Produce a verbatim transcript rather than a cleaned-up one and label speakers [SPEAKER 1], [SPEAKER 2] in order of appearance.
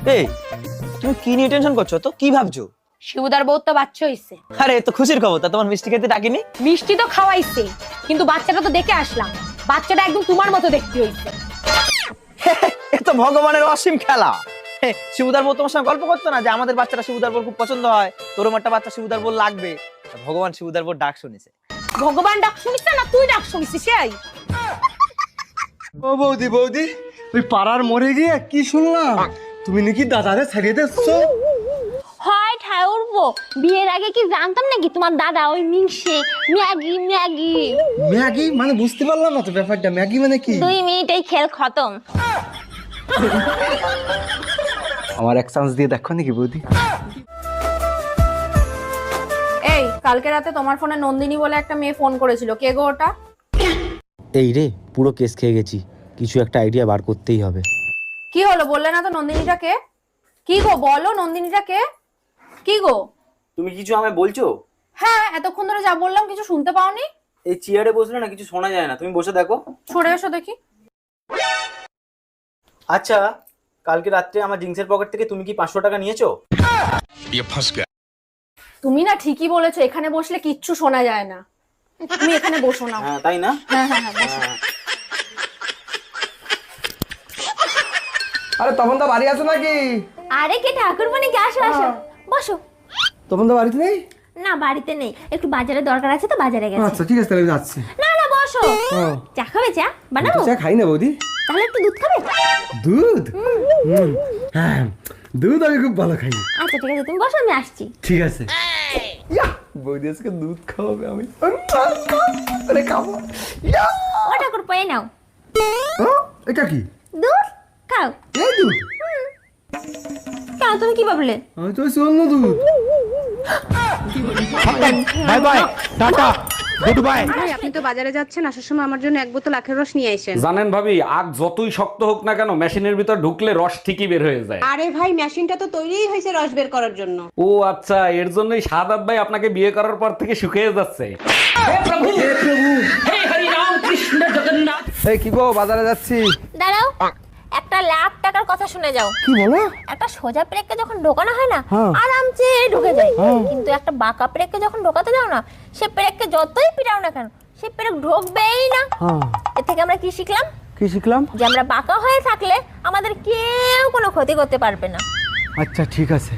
[SPEAKER 1] এই তুমি কি নিয়ে টেনশন করছো? তো কি ভাবছো?
[SPEAKER 2] শিবুদার বউ তো বাচ্চা হইছে।
[SPEAKER 1] আরে তো খুশির খবর। তা তোমার মিষ্টি খেতে ডাকিনি?
[SPEAKER 2] মিষ্টি তো খাওয়াইছে, কিন্তু বাচ্চাটা তো দেখে আসলাম, বাচ্চাটা একদম তোমার মতো দেখতে হইছে।
[SPEAKER 1] এ তো ভগবানের অসীম খেলা। শিবুদার বউ তোমার সঙ্গে গল্প করতো না যে আমাদের বাচ্চাটা শিবুদার বউর খুব পছন্দ হয়, তোর একটা বাচ্চা শিবুদার বউ লাগবে। ভগবান শিবুদার বউর ডাক শুনেছে।
[SPEAKER 2] ভগবান ডাক শুনিস না, তুই ডাক শুনিস? সেই
[SPEAKER 3] ও বৌদি বৌদি, ওই পাড়ার মরে গিয়ে কি শুনলাম তুমি নাকি দাদারে ছাড়িয়ে দিচ্ছো?
[SPEAKER 4] হয় ঠায় উঠবো, বিয়ের আগে কি জানতাম নাকি তোমার দাদা ওই মিংসে ম্যাগি ম্যাগি
[SPEAKER 3] ম্যাগি মানে বুঝতে পারলাম না তো ব্যাপারটা, ম্যাগি মানে কি?
[SPEAKER 4] দুই মিনিটেই খেল খতম।
[SPEAKER 3] আমার এক চান্স দিয়ে দেখো নাকি বৌদি?
[SPEAKER 2] এই কালকে রাতে তোমার ফোনে নন্দিনী বলে একটা মেয়ে ফোন করেছিল, কে গো ওটা?
[SPEAKER 5] এই রে, পুরো কেস খেয়ে গেছি, কিছু একটা আইডিয়া বার করতেই হবে।
[SPEAKER 2] কি হলো বললে না তো নন্দিনীটা কে? কি গো বলো, নন্দিনীটা কে? কি গো?
[SPEAKER 6] তুমি কিছু আমায় বলছো?
[SPEAKER 2] হ্যাঁ, এতক্ষণ ধরে যা বললাম কিছু শুনতে পাওনি?
[SPEAKER 6] এই চেয়ারে বসলে না কিছু শোনা যায় না, তুমি বসে দেখো।
[SPEAKER 2] সরে এসো দেখি।
[SPEAKER 6] আচ্ছা, কালকে রাত্রে আমার জিন্সের পকেট থেকে তুমি কি পাঁচশো টাকা নিয়েছো?
[SPEAKER 2] তুমি না ঠিকই বলেছো, এখানে বসলে কিচ্ছু শোনা যায় না। তুমি এখানে বসো না।
[SPEAKER 6] হ্যাঁ তাই না?
[SPEAKER 2] হ্যাঁ হ্যাঁ হ্যাঁ বসো।
[SPEAKER 6] হ্যাঁ।
[SPEAKER 3] আরে তখন তো বাড়ি আছে নাকি?
[SPEAKER 4] আরে কে ঠাকুর মানে কি, আসো আসো বসো।
[SPEAKER 3] তখন তো বাড়িতে নেই?
[SPEAKER 4] না বাড়িতে নেই, একটু বাজারে দরকার আছে তো বাজারে গেছে।
[SPEAKER 3] আচ্ছা ঠিক আছে, তাহলে আমি যাচ্ছি।
[SPEAKER 4] না না বসো, চা খাবে? চা বানাবো?
[SPEAKER 3] চা খাই না বৌদি।
[SPEAKER 4] তাহলে একটু দুধ খাবে?
[SPEAKER 3] দুধ? হুম, হ্যাঁ দুধ আমি খুব ভালো খাই।
[SPEAKER 4] আচ্ছা ঠিক আছে, তুমি বসো, আমি আসছি।
[SPEAKER 3] ঠিক আছে। ইয়া, বৌদি আজকে দুধ খাওয়াবে, আমি আরে খাবো। ইয়া!
[SPEAKER 4] ও ঠাকুর পেয়ে নাও
[SPEAKER 3] ও, এটা কি?
[SPEAKER 4] দুধ খাও।
[SPEAKER 3] এই দুধ?
[SPEAKER 4] কেন তুমি কি ভাবলে?
[SPEAKER 3] আমি তো অন্য দুধ।
[SPEAKER 5] Bye bye, tata, good bye.
[SPEAKER 7] ভাই আপনি তো বাজারে যাচ্ছেন, আসার সময় আমার জন্য এক বোতল আখের রস নিয়ে আসেন।
[SPEAKER 8] জানেন ভাবি, আগ যতই শক্ত হোক না কেন মেশিনের ভিতর ঢুকলে রস ঠিকই বের হয়ে যায়।
[SPEAKER 7] আরে ভাই মেশিনটা তো তৈরিই হয়েছে রস বের করার জন্য।
[SPEAKER 8] ও আচ্ছা, এর জন্যই সাদাত ভাই আপনাকে বিয়ে করার পর থেকে শুকিয়ে যাচ্ছে।
[SPEAKER 3] এই কি গো, বাজারে যাচ্ছি।
[SPEAKER 4] দাঁড়াও, একটা লাখ টাকার কথা শুনে যাও।
[SPEAKER 3] কি বলো?
[SPEAKER 4] একটা সোজা প্রেককে যখন ঢোকানো হয় না, আরামসে ঢুকে যায়, কিন্তু একটা বাঁকা প্রেককে যখন ঢোকাতে যাও না, সে প্রেককে যতই পিটাও না কেন সে প্রেক ঢোকবেই না। এর থেকে আমরা কি শিখলাম?
[SPEAKER 3] কি শিখলাম?
[SPEAKER 4] যে আমরা বাঁকা হয়ে থাকলে আমাদের কেউ কোনো ক্ষতি করতে পারবে না।
[SPEAKER 3] আচ্ছা ঠিক আছে।